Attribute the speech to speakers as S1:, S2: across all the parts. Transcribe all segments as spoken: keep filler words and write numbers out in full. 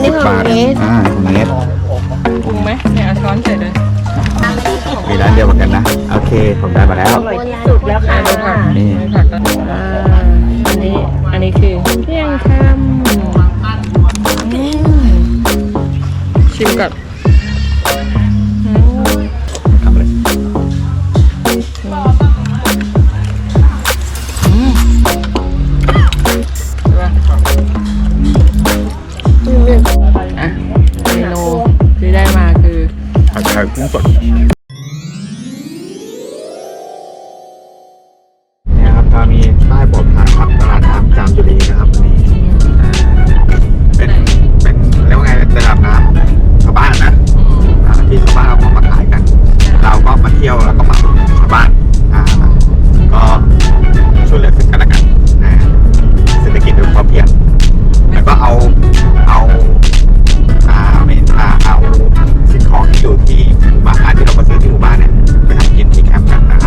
S1: สิบบาทอ่าเมตร
S2: ปรุงไหมเนี่ยเอาช้อนใส่เลย
S1: มีร้านเดียวกันนะโอเคผมได้มาแล้ว
S2: อร่อยที่สุดแล้วค่ะดูผัก
S1: นี่
S2: ผักก่อนอ่าอันนี้อันนี้คือเที่ยงคำอืมชิมก่อนอืม
S1: ทำเลย
S2: อืมดูป่ะอ่ะเมนูที่ได้มาคือ
S1: ผัดไทยกุ้งสดเนี่ยครับตอนนี้ป้ายบอกทางครับตลาดน้ำจามจุรีนะครับวันนี้อ่าเป็นเป็นเรียกว่าไงเป็นตลาดน้ำชาวบ้านนะอ่าที่ชาวบ้านเอาของมาขายกัน เราก็มาเที่ยวแล้วก็มาอุดหนุนชาวบ้านอ่าก็ช่วยเหลือซึ่งกันและกันนะเศรษฐกิจโดยพอเพียงแล้วก็เอาเอาอ่าเมนอ่าเอาสิ่งของที่อยู่ที่หมู่บ้านที่เรามาซื้อที่หมู่บ้านเนี่ยไปทำกินที่แคมป์กันนะครับ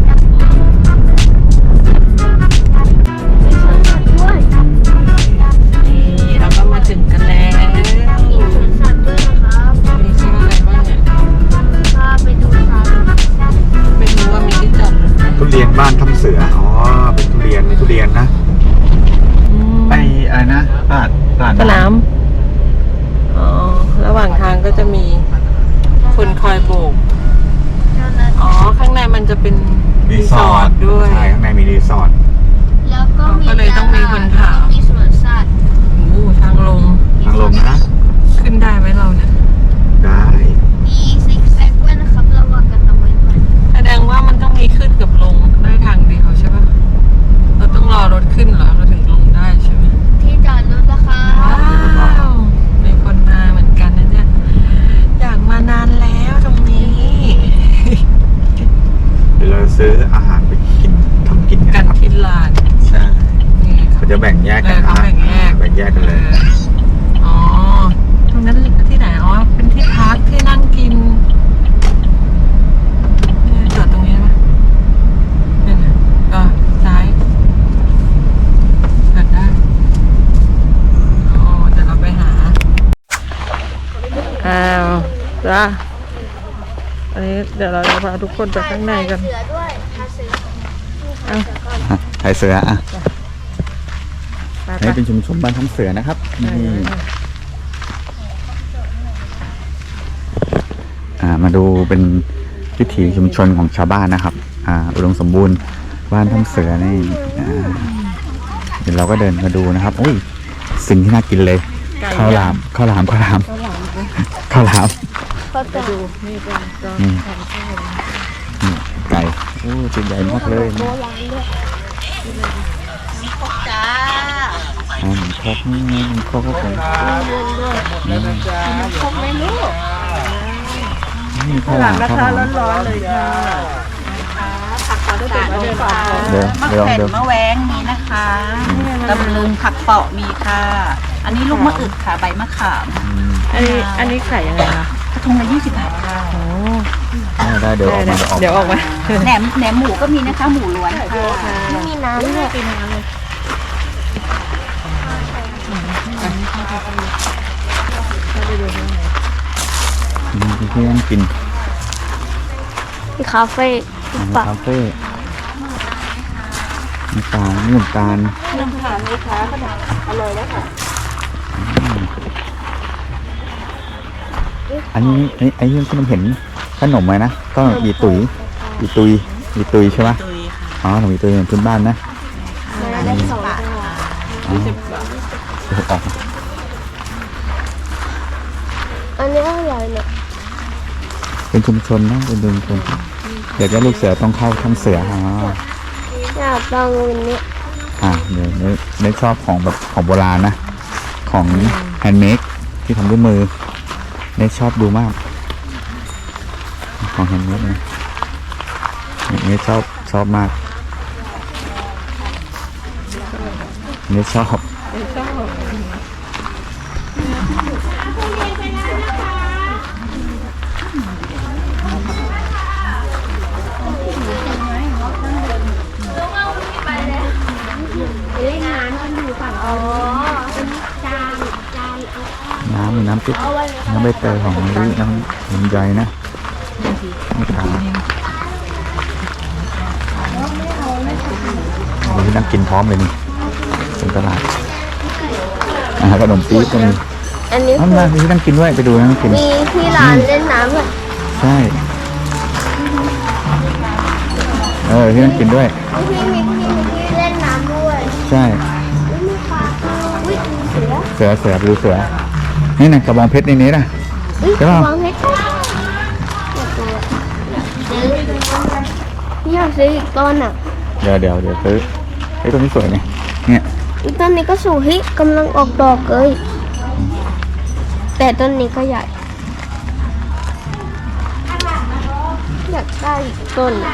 S2: นี่เราก็มาถึงกันแล้ว
S3: มีสวนสัตว์ด้วยนะครับ
S2: มีชื่ออะไรบ้างเนี่ย
S3: พาไปดูสัตว์
S2: ไม่รู้ว่ามีที่จอดรถไหม
S1: ทุเรียนบ้านทำเสืออ๋อเป็นทุเรียนมีทุเรียนนะไออะไรนะตลาดตลาด
S2: สนามอ๋อระหว่างทางก็จะมีคนคอยโบก
S3: เจ้าหน้า
S2: อ๋อ ข้างในมันจะเป็น
S1: รีสอร์ท
S2: ด้วย
S1: ใช่ข้างในมีรีสอร์ท
S3: แล้วก็มี
S2: ก็เลยต้องมีคนถาม
S3: แล้วก็มีสวนสัตว์
S2: โอ้โหทางลง
S1: ทางลงนะ
S2: ขึ้นได้ไหมเราเนี่ย
S1: ได้
S3: มีซิกแซกด้วยนะครับระวังกันเอาไว้ก่อน
S2: แสดงว่ามันต้องมีขึ้นกับลงได้ทางเดียวใช่ปะเราต้องรอรถขึ้นเหรอเราถึงลงได้ใช่ไหม
S3: ที่จอดรถนะคะ
S2: ว้าวมีคนมาเหมือนกันนะเนี่ยอยากมานานแล้วตรงนี้
S1: เดี๋ยวเราซื้ออาหารไปกินทำกิน
S2: กั
S1: กัน นครับ
S2: ที่ลาน
S1: ใช่
S2: นี่
S1: เขาจะแบ่งแยกกัน
S2: เออเขาแบ่งแยก
S1: แบ่งแยกกันเลย
S2: อ๋อ ตรงนั้นที่ไหน อ๋อ เป็นที่พักที่นั่งกินเนี่ยจอดตรงนี้ไหมเนี่ยนะก็ซ้ายจอดได้ อ๋อ เดี๋ยวเราไปหา อ้าวจ้าอันนี้เดี๋ยวเราจะพาทุกคนไปข้างในกัน
S3: เสือด้วยพาเสือ
S2: เอา
S1: ไทยเสืออ่ะ
S2: ไป
S1: อัน
S2: ไป
S1: นี้เป็นชุมชนบ้านทำเสือนะครับนี่อ่ามาดูเป็นวิถีชุมชนของชาวบ้านนะครับอ่าอุดมสมบูรณ์บ้านทำเสือนี่อ่าเดี๋ยวเราก็เดินมาดูนะครับอุ้ยสิ่งที่น่ากินเลยข้าวหลามข้าวหลามข้าวหลามข้าวหลาม
S3: ก็จะดู
S2: นี่เป็นกอง
S1: นี่
S2: ทานข้าว
S1: นี่ไก่โอ้ตัวใหญ่มากเลย
S3: โบราณด้วยจ้า
S1: อ่าหมูครกนี่หมูครกก็เป็น
S2: แล้วนะจ๊ะ
S3: คงไม่รู้
S1: นี่ข้าวหลามข้าวหลาม
S2: ร้อนๆเลยค่ะ
S3: ผักกาดดองก่อน
S1: เดี๋ยวเดี๋ยวเดี๋ยว
S4: มะแวงมีนะคะตำลึงผักเปาะมีค่ะ อันนี้ลูกมะอึกค่ะ ใบมะขาม
S2: อันนี้อันนี้ขายยังไงคะ
S4: กระทงละยี่สิบบาทค่ะ
S2: โอ้
S1: ได้ได้เดี๋ยวออกมา
S2: เดี๋ยวออกมา
S4: แหนมแหนมหมูก็มีนะคะ หมูล้วนค่ะ
S3: ไม่มีน้ำด้วย
S1: อืมที่นั่งกิน
S3: ที่คาเฟ่
S1: อาหารคาเฟ่น้ำตาลนี่น้ำตาล
S2: น้ำผ่านลูกค้าก็อร่อยแล้วค่ะ
S1: อันนี้ไอ้ไอ้ที่ผมเห็นขนมไหมนะก็อีตุยอีตุยอีตุยใช่ไหม
S4: ตุยค่ะ
S1: อ๋อขนมอีตุยเป็นพื้นบ้านนะ
S3: ได้สอง
S4: บาท
S1: อ๋อ
S2: สิบบาท
S1: เดี๋ยวออก
S3: อันนี้อะไรเนี่ย
S1: เป็นชุมชนนะเป็นชุมชนเดี๋ยวจะลูกเสือต้องเข้าทำเสืออ๋อ
S3: อยากลองวันนี้
S1: อ่าเดี๋ยวไม่ไม่ชอบของแบบของโบราณนะของแฮนด์เมดที่ทำด้วยมือไม่ชอบดูมากของแฮนด์เมดนะไม่ชอบชอบมากไม่ชอบ
S2: ไม่ชอบ
S3: เล่นน้ำกันอยู่ฝั่งอ๋อเป็นจานจานเอา
S1: น้ำสิน้ำใบเตยของมะลิน้ำลำไยนะนี่ครับวันนี้นั่งกินพร้อมเลยนี่เป็นตลาดอาหารขนมปี๊บก็มี
S3: อันนี้
S1: นั่นมาที่นั่งกินด้วยไปดูนั่งกิน
S3: มีที่ร้านเล่นน้ำอ่ะ
S1: ใช่เออที่นั่งกินด้วย
S3: พี่มีที่มีที่เล่นน้ำด้วย
S1: ใช่
S3: อุ๊ยมีปลาอุ้ยมีเสือ
S1: เสือเสือดูเสือนี่นะกระบองเพชรในนี้นะ
S3: อุ้ย
S1: ใช่ป่ะ
S3: วางเพชรอยากซื้ออยากซื้ออีกต้นอ่ะ
S1: เดี๋ยวเดี๋ยวเดี๋ยวซื้อไอ้ตัวนี้สวยไงเนี่ย
S3: อีกต้นนี้ก็สูงเฮ้ยกำลังออกดอกเลยแต่ต้นนี้ก็ใหญ่อยากได้อีกต้นอะ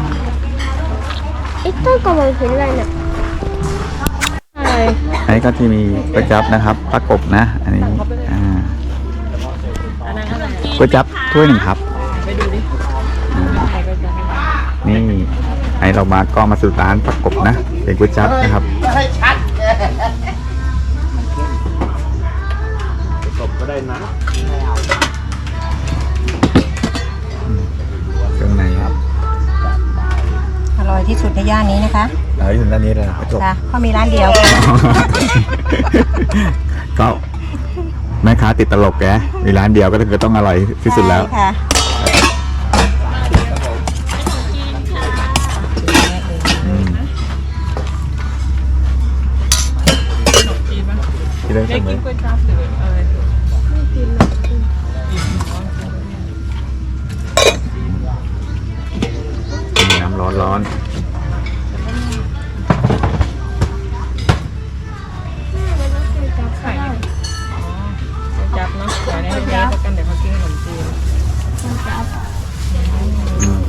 S3: ไอ้ต้นกำลังเป็นอะไรเนี่ย
S2: อะไร
S1: อันนี้ก็ที่มีก๋วยจั๊บนะครับประกบนะ อันนี้อ่า
S2: อันนั้นอะไร
S1: ก๋วยจั๊บถ้วยหนึ่งครับ
S2: ไปดูดิ
S1: อ่า
S2: ใครก็จะ
S1: นี่ไอเรามาก็มาสู่ร้านประกบนะเป็นก๋วยจั๊บนะครับประกบก็ได้นะเครื่องในครับ
S4: อร่อยที่สุดในย่านนี้นะคะ
S1: เออถึงด้านนี้เลยประจบ
S4: จ้ะเพราะมีร้านเดียว
S1: ก็แม่ค้าติดตลกแกมีร้านเดียวก็คือต้องอร่อยที่สุดแล้ว
S4: ใช่ค่ะ
S1: อืมที่ได้
S2: ได้
S1: เสม
S2: กิ
S1: อน
S2: ก๋วยจั๊บหรืออะไร
S1: มีน้ำร้อนร้อน
S2: ไข่ก๋วยจั๊บเนาะเดี๋ยวนี้ให้เด็กกันเดี๋ยวเขากินขนมจีน
S1: อืม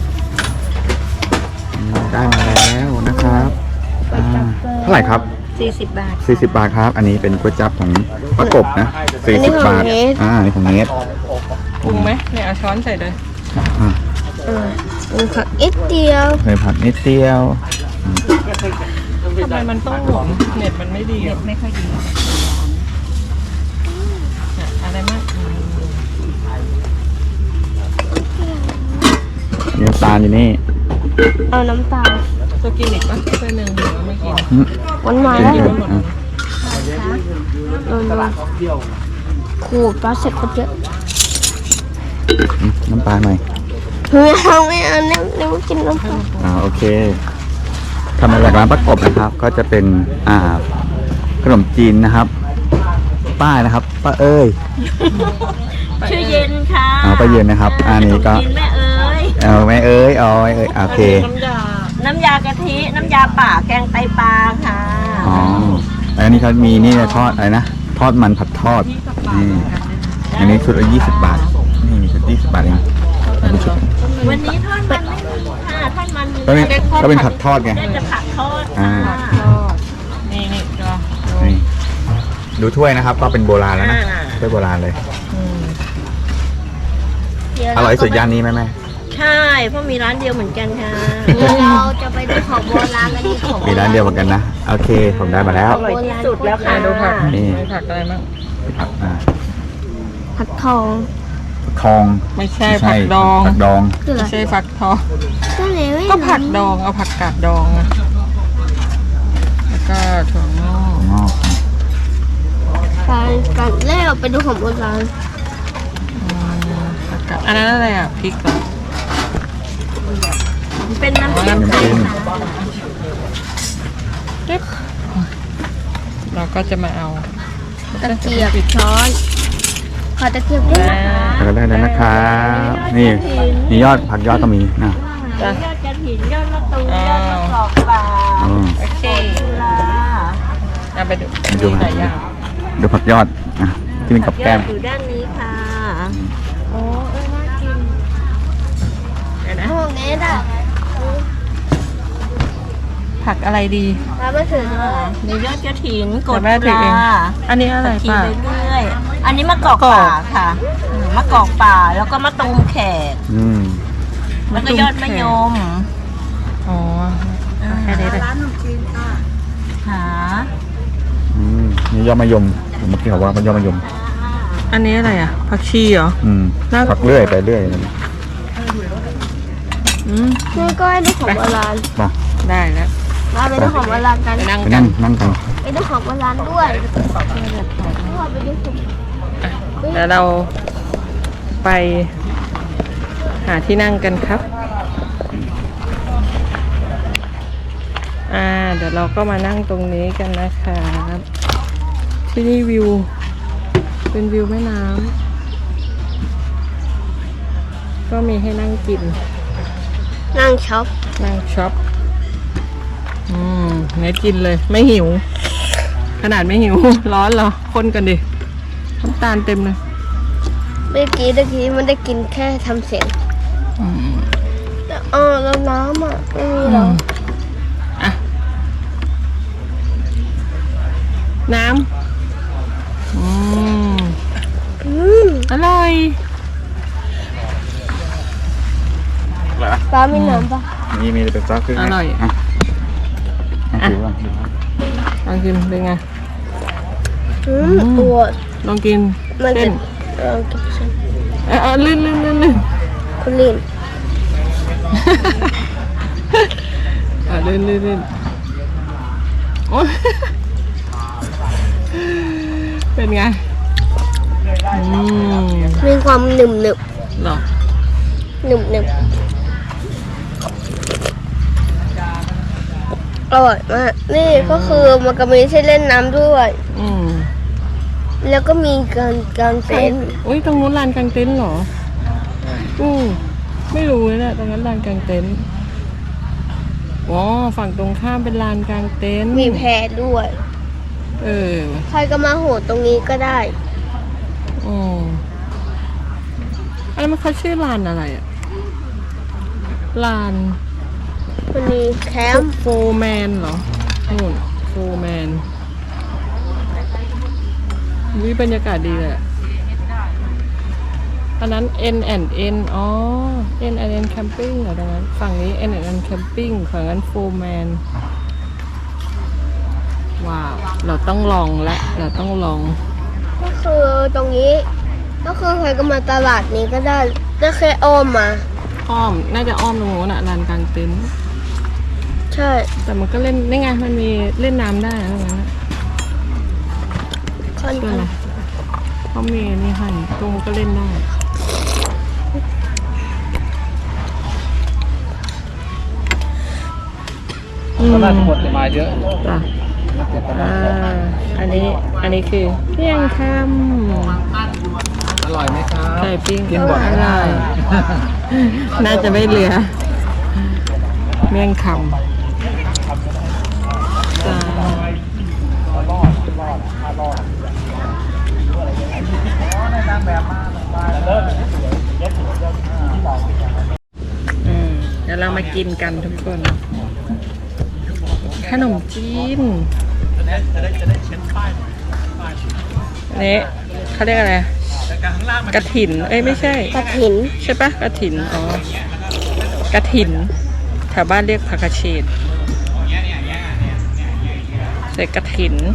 S1: ได้มาแล้วนะครับอ่าเท่าไหร่ครับ
S4: สี่สิบบาท
S1: สี่สิบบาทครับ อันนี้เป็นก๋วยจั๊บของประกบนะสี่สิบบาทอ่าอันนี้ของเนส
S2: ปรุงไหมเนี่ยเอาช้อนใส่เลย
S1: อ่า
S3: เออมีผักอีกเดียว
S1: เคยผัดนิดเดียวอืม
S2: ทำไมมันต้องหมุนเน็ตมันไม่ดีอ่ะ
S4: ไม่ค่อยดี
S2: เนี่ยอะไรมากอืม
S1: มีน้ำตาลอยู่นี่
S3: เอาน้ำตาล
S2: ตัวกินอีกปะเพื่อนหนึ่งหรือว่าไม่กิน
S1: อืม
S3: หวานหวาน
S1: กิน
S3: แล้ว
S1: เถอะอ่ะ
S3: เออขูดปลาเสร็จก็เยอะ
S1: อืมน้ำตาลหน่อย
S3: ไม่เอาไม่เอาเนี่ยเนี่ยกินน้ำตาล
S1: อ่าโอเคทำมาจากร้านประกบนะครับ ก็จะเป็นอ่าขนมจีนนะครับ ป้านะครับป้าเอ้ย
S4: ชื่อเย็นค่ะ
S1: เอาป้าเย็นนะครับ อันนี้ก็
S4: กินแม่เอ้ย
S1: เอาแม่เอ้ยเอาแม่เอ้ยโอเค
S2: น้ำยา
S4: น้ำยากะทิ น้ำยาป่า แกงไตปลาค่ะ
S1: อ๋ออันนี้เขามีนี่นะทอดอะไรนะทอดมันผัดทอดนี่อันนี้ชุดละยี่สิบบาทนี่ชุดยี่สิบบาทเองอันนี้ชุด
S4: วันนี้ทอดมันไม่มีค่ะทอดมันมี
S1: ก็เป็นก็เป็นผัดทอดไง
S4: ได้จะผัดทอด
S1: อ่า
S4: ค่ะ
S2: ทอดนี่นี่ก็
S1: นี่ดูถ้วยนะครับ ก็เป็นโบราณแล้วนะถ้วยโบราณเลย
S2: อืม
S1: อร่อยสุดย่านนี้ไหมแม่
S4: ใช่ เพราะมีร้านเดียวเหมือนกันค่ะ
S3: เดี๋ยวเราจะไปดูของโบราณกันดีของ
S1: มีร้านเดียวเหมือนกันนะโอเคผมได้มาแล้ว
S4: อร่อยที่สุดแล้ว
S2: อ่ะ
S4: ค่ะ
S2: ดูผัก
S1: นี่
S2: มีผักอะไรบ้าง
S1: ผักอ่า
S3: ผักทอง
S1: ทอง
S2: ไม่ใช่ผักดอง
S1: ผักดอง
S3: คืออะไร
S2: ไม่ใช่ผักทอง
S3: ก็เลยไม่
S2: ก็ผักดองเอาผักกาดดองอะแล้วก็ถั่วงอก
S1: งอก
S3: การการแรกเราไปดูของโบราณ
S2: อืมผักกาดอันนั้นอะไรอ่ะพริกเหรอ
S4: เป็นน้ำ
S2: อ๋อ
S4: จิ้ม
S2: น้ำ
S1: น้ำ
S2: จิ้
S1: จิ้
S2: ม
S1: ม
S2: จิ๊บเราก็จะมาเอา
S3: ตะเกียบช้อนขอตะเกียบด้วยนะ
S1: แล้วก็ได้แล้วนะครับนี่มียอดผักยอดก็มีนะ
S2: จ้ะ
S4: ยอดกระถิ่นยอดมะตูม
S2: อ้า
S4: ยว อดมะกอกปลา
S1: อืม
S2: โอเค
S4: ตุลา
S2: เอาไปดู
S1: ไปดู
S2: มีหลายอย่าง
S1: ดูผักยอดอ่ะที่เป็นกับ
S4: ย
S1: แก้
S4: อด
S1: ม
S4: อยู่ด้านนี้ค่ะ
S2: โอ้เอ้ยน่ากินเดี๋ยวนะ
S3: ห้องนี้น่ะ
S2: ผักอะไรดี
S3: เราไม่ถือเลย
S4: ในยอดกระถินก
S2: เดี๋
S4: ด
S2: ยวแม่ถือเอง
S4: ปลา
S2: อันนี้อะไร
S4: กิน
S2: ป่ะ
S4: ไปเรื่อย อันนี้มะกอกป่าค่ะอืมมะกอกป่าแล้วก็มะตูมแขก
S1: อืม
S4: แล้วก็ยอดมะยม
S2: อ๋อแค่นี้เลย
S4: ร้านขนมจีนค่ะหา
S1: อืมนี่ยอดมะยมเมื่อกี้เขาว่ามันยอดมะยม
S2: ออันนี้อะไรอ่ะผักชีเหรอ
S1: อืม
S2: น่า
S1: ผักเรื่อยไปเรื่อยนะ
S2: อืม
S3: นี่ก็ให้ดูของโบราณ
S1: มา
S2: ได้แล้ว
S3: มาไปดูของโบราณกัน
S2: ไปนั่ง
S1: ไป
S2: กั
S1: นั่
S2: น
S1: งนั่งกัน
S3: ไปดูของโบราณด้วยพ่อไปดูสิ
S2: เดี๋ยวเราไปหาที่นั่งกันครับ อ่า เดี๋ยวเราก็มานั่งตรงนี้กันนะครับที่นี่วิว เป็นวิวแม่น้ำก็มีให้นั่งกิน
S3: นั่งช็อป
S2: นั่งช็อป อืมงั้นกินเลย ไม่หิว ขนาดไม่หิว ร้อนเหรอ คนกันดิน้ำตาลเต็มเลย
S3: เมื่อกี้เมื่อกี้มันได้กินแค่ทำเสียง
S2: อืม
S3: เออแล้วน้ำอ่ะไม่มีหรอ
S2: อ่ะ น้ำ อืม
S3: อืม
S2: อร่อย
S1: อะไรวะ
S3: ป้ามีน้ำปะ
S1: นี่มีเป็นซักขึ้น
S2: อร่อย
S1: อ่ะอ่ะดูบ้างดูบ้าง
S2: ลองกินเป็นไง
S3: อืมปวด
S2: ลองกิน
S3: มัน
S2: เส้
S3: จะ
S2: น
S3: เออกินเส้น
S2: เออเออลื่นลื่นลื่นลื่น
S3: คุณลิน
S2: เออลื่นลื่นลื่นโอ้ยเป็นไง อืม
S3: มีความหนึบหนึบ
S2: เหรอ
S3: หนึบหนึบอร่อยมากนี่ก็คือมันก็มีที่เล่นน้ำด้วย
S2: อืม
S3: แล้วก็มีการการเต้นท์
S2: อุ้ยตรงนู้นลานกลางเต็นท์เหรอ อืมไม่รู้เลยเนี่ยตรงนั้นลานกลางเต็นท์อ๋อฝั่งตรงข้ามเป็นลานกลางเต็นท์
S3: มีแพด้วย
S2: เออ
S3: ใครก็มาโหดตรงนี้ก็ได้
S2: อืมอันนั้นมันเขาชื่อลานอะไรอะลาน
S3: มันมีแคมป์
S2: โฟร์แมนเหรอนู่นโฟร์แมนวิบรรยากาศดีเลยอะอันนั้น N and N อ๋อ N and N Camping เหรอตรงนั้น ฝั่งนี้ N and N Camping ฝั่งนั้นโฟร์แมนว้าว เราต้องลองและเราต้องลอง
S3: ก็คือตรงนี้ ก็คือใครก็มาตลาดนี้ก็ได้ได้แค่อ้อมมา
S2: อ้อม น่าจะอ้อมตรงโน้นอะลานกลางเต็นท์
S3: ใช่
S2: แต่มันก็เล่นนี่ไง มันมีเล่นน้ำได้นะตรงนั้นอะ
S3: ค่อน
S2: เชื่อ
S3: ข้าง
S2: ไหมเขามีนี่ให้ตรงก็เล่นได้อืม
S1: ก็น่าจะหมดมาเยอะ
S2: จ้ะอ่าอันนี้ อันนี้คือเที่ยงค
S1: อร่อยไหมครับ
S2: ำไก่ปิ้ง
S1: กินบ่อย
S2: อร่อยน่าจะไม่เหลือ เมี่ยงคำจ้าอืมเดี๋ยวเรามากินกันทุกคน ขนมจีนอันนี้เขาเรียกอะไรกระถิน เอ้ยไม่ใช่
S3: กระถิน
S2: ใช่ปะกระถิน อ๋อกระถิน แถวบ้านเรียกผักกระเฉดใส่กระถิน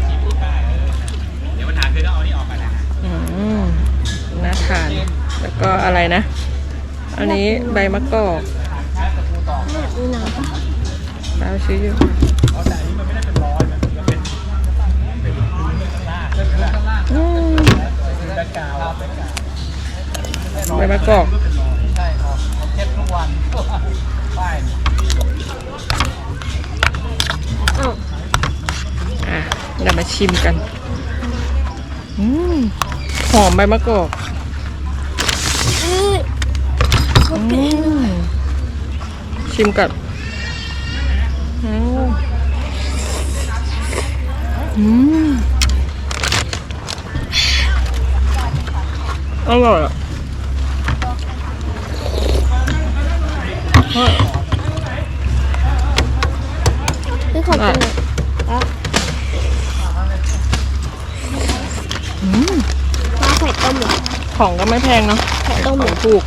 S2: อืมน่าทาน แล้วก็อะไรนะ อันนี้ใบมะกอกเราซื้ออยู่อืมใบมะกอกอ่ะเดี๋ยวมาชิมกันอืมหอมใบมะกอกอืมชิมก่อนอืมอืมอร่อยอ่ะเฮ้ย
S3: นี่ของกินอ่ะ
S2: อืม
S3: ปลาไข่ต้มเหรอ
S2: ของก็ไม่แพงเนาะ
S3: ไข่ต้ม
S2: ข
S3: เหร
S2: อ
S3: อง
S2: ถูก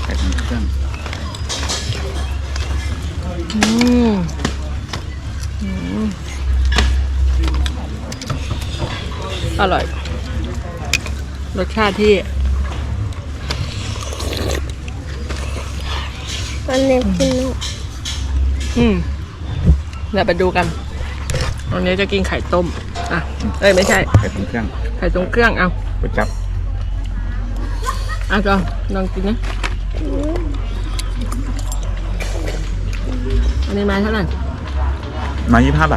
S2: อืมอืมอร่อยรสชาติที่
S3: มันเล็กขึ้นลูก
S2: อืมเดี๋ยวไปดูกันวันนี้จะกินไข่ต้ม อ่ะ เอ้ยไม่ใช่
S1: ไข่ต้มเครื่อง
S2: ไข่ตรงเครื่อง เอา
S1: ก๋วยจั๊บ
S2: เอาก็ลองกินนะ อันนี้ไม้เท่าไหร่
S1: มายี่สิบห้าบาท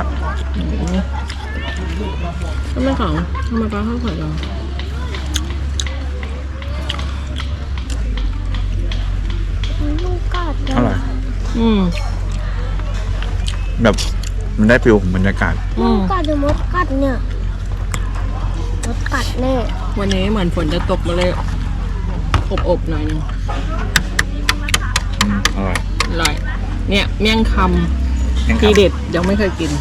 S2: ทำไมของทำไมปลาข้าวไข่เรา
S3: ลูกกัด
S1: อร่อย
S2: อืม
S1: แบบมันได้ฟิลของบรรยากาศ
S2: อื
S3: ลู
S2: ม
S3: กกัดหรือมดกัดเนี่ยมดกัดแน่
S2: วันนี้เหมือนฝนจะตกมาเลย อบๆหน่อยนึง
S1: อืมอร่อย
S2: อร่อย เนี่ย เมี่ยงค
S1: ยัง
S2: ำ
S1: ครั
S2: ที
S1: บ
S2: เด็ดยังไม่เคยกิน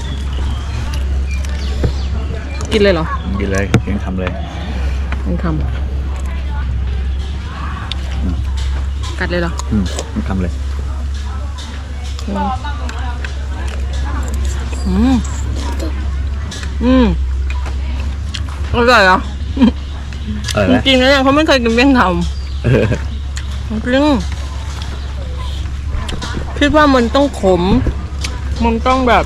S2: กินเลยเหรอ
S1: กินเลยยังทำเลย
S2: เมี่ยงคำกัดเลยเหรอ
S1: อืมยังทำเลย
S2: อืม อืมอร่อยเหรอ
S1: อร่อย
S2: จ
S1: ไหม
S2: ริงๆแล้วเนี่ยเขาไม่เคยกินเมี่ยงค
S1: เออ
S2: ำจริงคิดว่ามันต้องขม มันต้องแบบ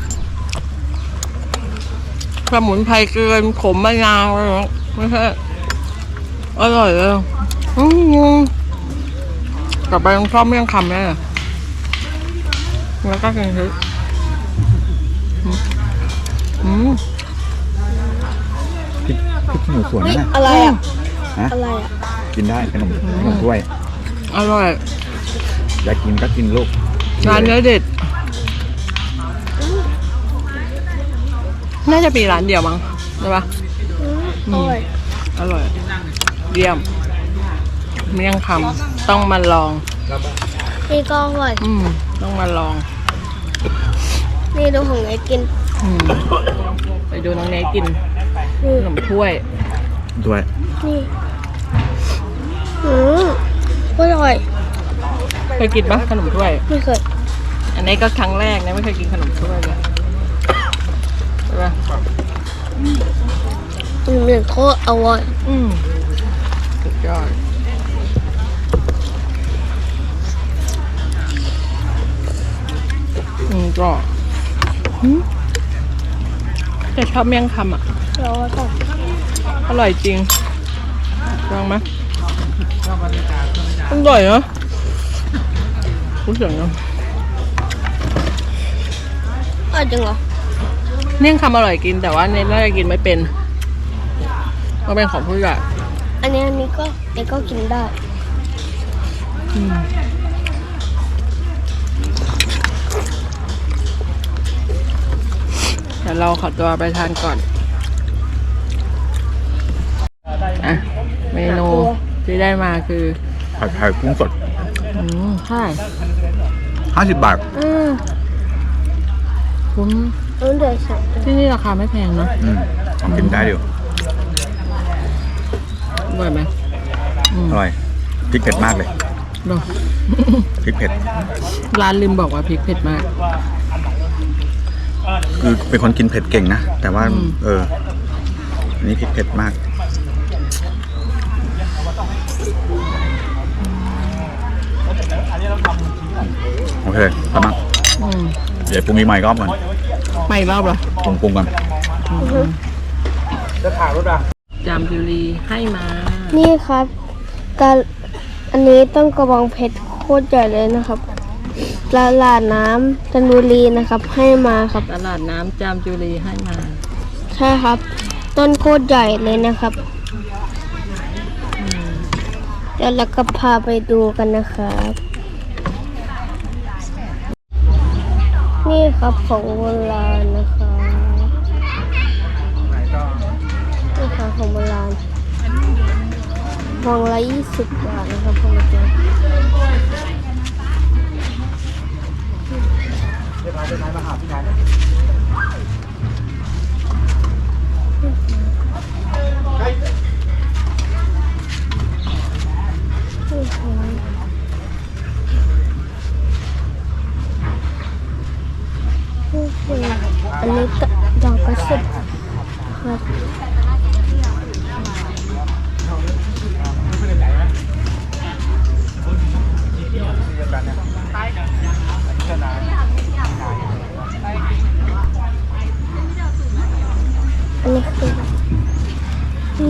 S2: สมุนไพรเกินขมมะนาวอะไรอย่างเงี้ยไม่ใช่อร่อยเลยอืมกลับไปต้องชอบเมี่ยงคำแน่เลยแล้วก็กินทึอืม
S1: พริกพริกขี้หนูสวนนะ
S3: อะไรอ่ะ
S1: ฮะ
S3: อะไรอ่ะ
S1: กินได้ขนมขนมถ้วย
S2: อร่อย
S1: อยากกินก็กินลูก
S2: ร้านเนื้อเด็ด น่าจะมีร้านเดียวมั้งใช่ปะ
S3: อืมอร่อย
S2: อร่อย เยี่ยม เมี่ยงคำต้องมาลอง
S3: นี่ก็อร่อย
S2: อืม ต้องมาลอง
S3: นี่ดูของไอ้กิน
S2: อืม ไปดูน้องเนยกิน
S3: นี่
S2: ขนมถ้วย
S1: ด้วย
S3: นี่อืมอร่อย
S2: เคยกินปะขนมถ้วย
S3: ไม่เคย
S2: อันนี้ก็ครั้งแรกนะไม่เคยกินขนมถ้วยเลยใช่ปะ
S3: อืมเหมือนโคตรอร่อย
S2: อืมสุดยอดอืมก็อืมแต่ชอบเมี่ยงคำอ่ะ
S3: เราต้อง
S2: อร่อยจริงลองไหมอร่อยเนาะรู้สึกเนาะ
S3: อร่อยจริงเหรอ
S2: เมี่ยงคำอร่อยกินแต่ว่าเนยน่าจะกินไม่เป็นมันเป็นของผู้ใหญ่
S3: อันนี้อันนี้ก็เด็กก็กินได้
S2: อืมเดี๋ยวเราขอตัวไปทานก่อนอ่ะเมนูที่ได้มาคือ
S1: ผัดไทยกุ้งสด
S2: อืมใช่
S1: ห้าสิบบาท
S3: อืม
S2: คุ้ม
S3: รู้เดี๋ยวสั่ง
S2: ที่นี่ราคาไม่แพงเนาะ
S1: อืมกินได้อยู่
S2: อร่อยไหมอืม
S1: อร่อยพริกเผ็ดมากเลย
S2: เนอะ
S1: พริกเผ็ด
S2: ร้านลืมบอกว่าพริกเผ็ดมาก
S1: คือเป็นคนกินเผ็ดเก่งนะ แต่ว่า
S2: อืม
S1: เอออันนี้พริกเผ็ดมาก โอเคทำมา
S2: อืม
S1: เดี๋ยวปรุงอีกใหม่ก็ก่อน
S2: ไม่อีกรอบเหรอ
S1: ปรุงปรุงก่อน
S2: จามจุรีให้มา
S3: นี่ครับการอันนี้ต้องกระบองเพชรโคตรใหญ่เลยนะครับตลาดน้ำจันทบุรีนะครับ ให้มาครับ
S2: ตลาดน้ำจามจุรีให้มา
S3: ใช่ครับ ต้นโคตรใหญ่เลยนะครับ เดี๋ยวเราก็พาไปดูกันนะครับ นี่ครับของโบราณนะคะนี่ค่ะของโบราณพวงละยี่สิบบาทนะครับพวงละเจ็ดอันนี้ก็ดอกกระสุนครับ
S1: กันเนี่ยเจ้านาย
S3: อันนี้คือที่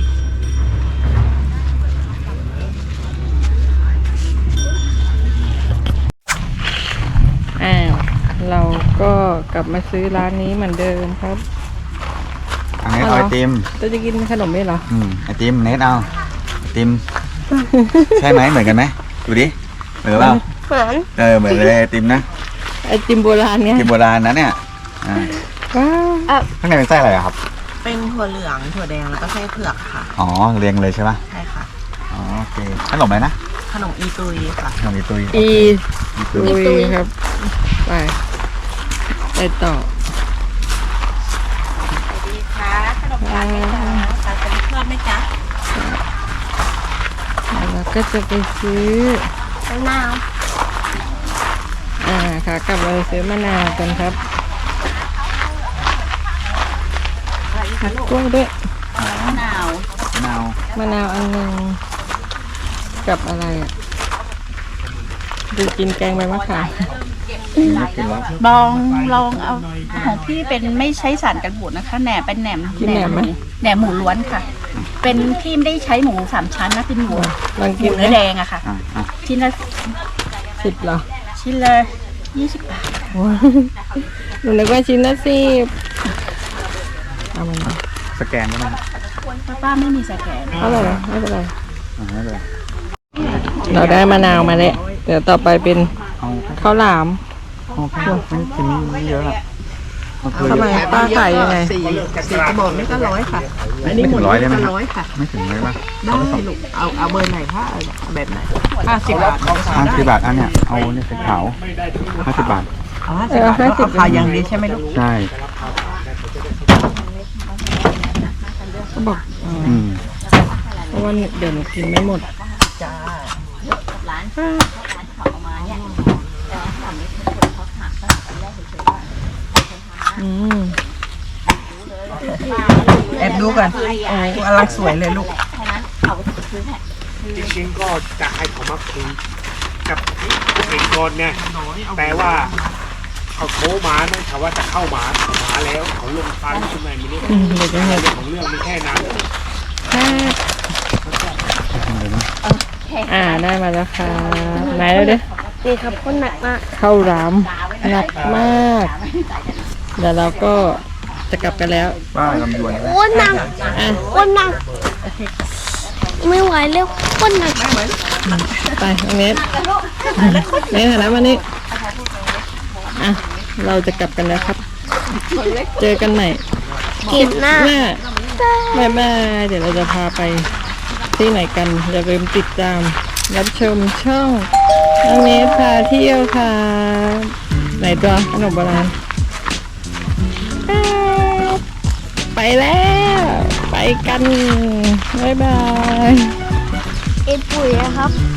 S2: อ้าวเราก็กลับมาซื้อร้านนี้เหมือนเดิมครับ
S1: อันนี้เอาไอติม
S2: จะจะกินขนมไหมเหรอ
S1: อืมไอติมเนทเอาไอติม ใช่ไหมเหมือนกันไหมดูดิเหมือนเปล่า
S3: เหมือน
S1: เออเหมือนเลยไอติมนะ
S2: ไอติมโบราณ
S1: ไอ
S2: เนี่ย
S1: ติมโบราณนะเนี่ยอ่า
S2: ว้าว
S1: ข้างในเป็นไส้อะไรอะครับ
S4: เป็นถั่วเหลืองถั่วแดงแล้วก็ไส้เผือกค่ะ
S1: อ๋อเรียงเลยใช่ปะ
S4: ใช่ค่ะ
S1: อ๋อโอเคขนมอะไรนะ
S4: ขนมอีตุยค่ะ
S1: ขนมอีตุย
S2: อี
S1: อีตุ
S2: ตุ
S1: ย
S2: ยครับไปไปต่อ
S4: ดีค่ะขนมปังไหมจ๊ะทานเป็นเพื่อนไหมจ๊ะ
S2: แล้วก็จะไปซื้อ
S3: มะนาว
S2: อ่าค่ะกลับมาซื้อมะนาวกันครับกล้วยด้วย
S4: มะนาว
S1: มะนาว
S2: มะนาวอันหนึ่งกับอะไรอ่ะดูกินแกงใบมะขาม
S1: อืมกินแล้ว
S4: ลองลองเอาของพี่เป็นไม่ใช้สารกันบูดนะคะแหนมเป็นแหนม
S2: กินแหนมไหม
S4: แหนมหมูล้วนค่ะ เป็นพี่ไม่ได้ใช้หมูสามชั้นนะเป็นหมู
S2: ลอง
S4: ห
S2: กิ
S4: มู
S2: นไหม
S4: เนื้อแดงอะค่ะ
S1: อ่ะอ่ะ
S4: ชิ้นละ
S2: สิบเหรอ
S4: ชิ้นละยี่สิบบาท
S2: หนูนึกว่าชิ้นละสิบเอามันมา
S1: สแกนก็ได้
S4: ป้าป้าไม่มีสแกน
S2: เอาเลยไม่เป็นไร
S1: อ่าไม่เป็นไร
S2: เราได้มะนาวมาแล้วเดี๋ยวต่อไปเป็น
S1: เอา
S2: ข้าวหลาม
S1: เอาแค่ไม่กินไม่เยอะอะเอาคือ
S2: ทำไมป้าขายยังไง
S4: สี่สี่กระบอกนี่ก็ร้อยค่ะ
S1: ไม่ถึงร้อยได้ไหมครับ
S4: ร้อยค่ะ
S1: ไม่ถึงเลยป่ะ
S4: ได้ลูกเอาเอาเบอร์ไหนคะเอาแบบไหนห้าสิบบาท
S1: ห้าสิบบาทอันเนี้ยเอาเนี่ยสีขาวห้าสิบบาท
S4: เอาห้าสิบบาทแล้วเอาขาวอย่างนี้ใช่ไหมลูก
S1: ใช่
S2: ก็บอกอ๋อ
S1: อืม
S2: เพราะว่าเดี๋ยวหนูกินไม่หมด
S4: จ้า
S2: อืม
S4: แอบดูกันโอ้กำลังสวยเลยลูก
S5: จริงๆก็จะให้เขามาคุยกับเอกชนเนี่ยแต่ว่าเขาโทรมานะเขาว่าจะเข้ามามาแล้วเขาลงฟันขึ้นมาไม่รู้
S2: อืมเดี๋ยวจะเห็น
S5: เรื่องของเรื่องมีแค่นั้น
S2: อ่าได้มาแล้วค่ะไหนแล้วเด้
S3: นี่ครับคนหนักมาก
S2: ข้าวหลามหนักมากเดี๋ยวเราก็จะกลับกันแล้ว
S1: ป้าลำดวน
S3: โอ้หนัก
S2: อ่ะ
S3: โอ้หนักไม่ไหวแล้วโคนหนัก
S2: ไปน้องเนทเนทหันหน้ามานี่อ่ะเราจะกลับกันแล้วครับ เจอกันใหม่
S3: เก็บหน้า
S2: หน้าบายบาย เดี๋ยวเราจะพาไปที่ไหนกัน อย่าลืมติดตาม รับชมช่องน้องเนทพาเที่ยวค่ะ ไหนตัวขนมโบราณไปแล้ว ไปกัน บ๊ายบาย
S3: เอ็ดปุ๋ยนะครับ